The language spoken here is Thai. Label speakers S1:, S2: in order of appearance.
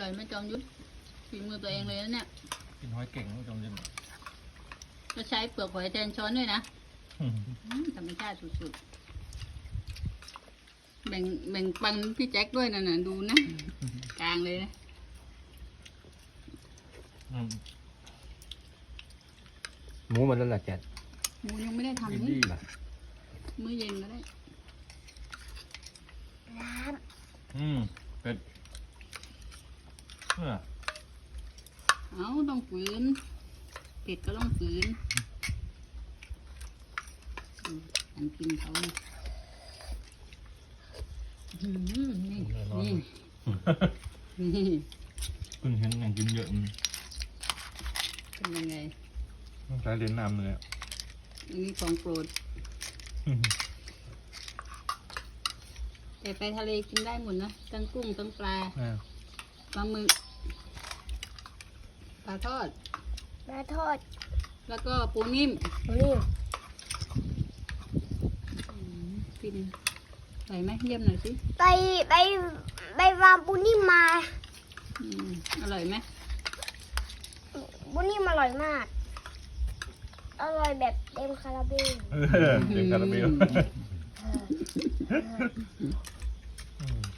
S1: ร่อยไหมจอมยุทธฝีมือตัวเองเลยนะเนี่ย
S2: กินหอยเก่งจอมยุทธ
S1: ก็ใช้เปลือกหอยแทนช้อนด้วยนะธรรมชาติสุดๆแบ่งปันพี่แจ็คด้วยนะน่ะดูนะกลางเลยนะ
S3: หมูมันนั่นแหละแก
S1: หมูยังไม่ได้
S2: อิน
S1: ทำ
S2: ดี้
S1: นี่
S2: ป่ะ
S1: มื้อเย็นก็ได้
S4: น้
S2: เป็ดเนี่ย
S1: เอาต้องฝืนเผ็ดก็ต้องฝืนอันกินเขานี่นี่นี่นี่
S2: คุณเห็นอย่างกินเยอะ
S1: เป็นยังไง
S2: ใช้เลี้ยงน้ำเลย
S1: อันนี้ของโปรดแต่ไปทะเลกินได้หมดนะทั้งกุ้งทั้งปลาปลาหมึกปลาทอด
S4: ำมาทอด
S1: แล้วก็ปูนิ่ม
S4: นี่
S1: กินใส่ไหมเยี่ยมหน่อยสิ
S4: ไปวางปูนิ่มมา
S1: อร่อยไหม
S4: ปูนิ่มอร่อยมาก อร่อยแบบเต็มคาราเบล
S2: เต็มคาราเบล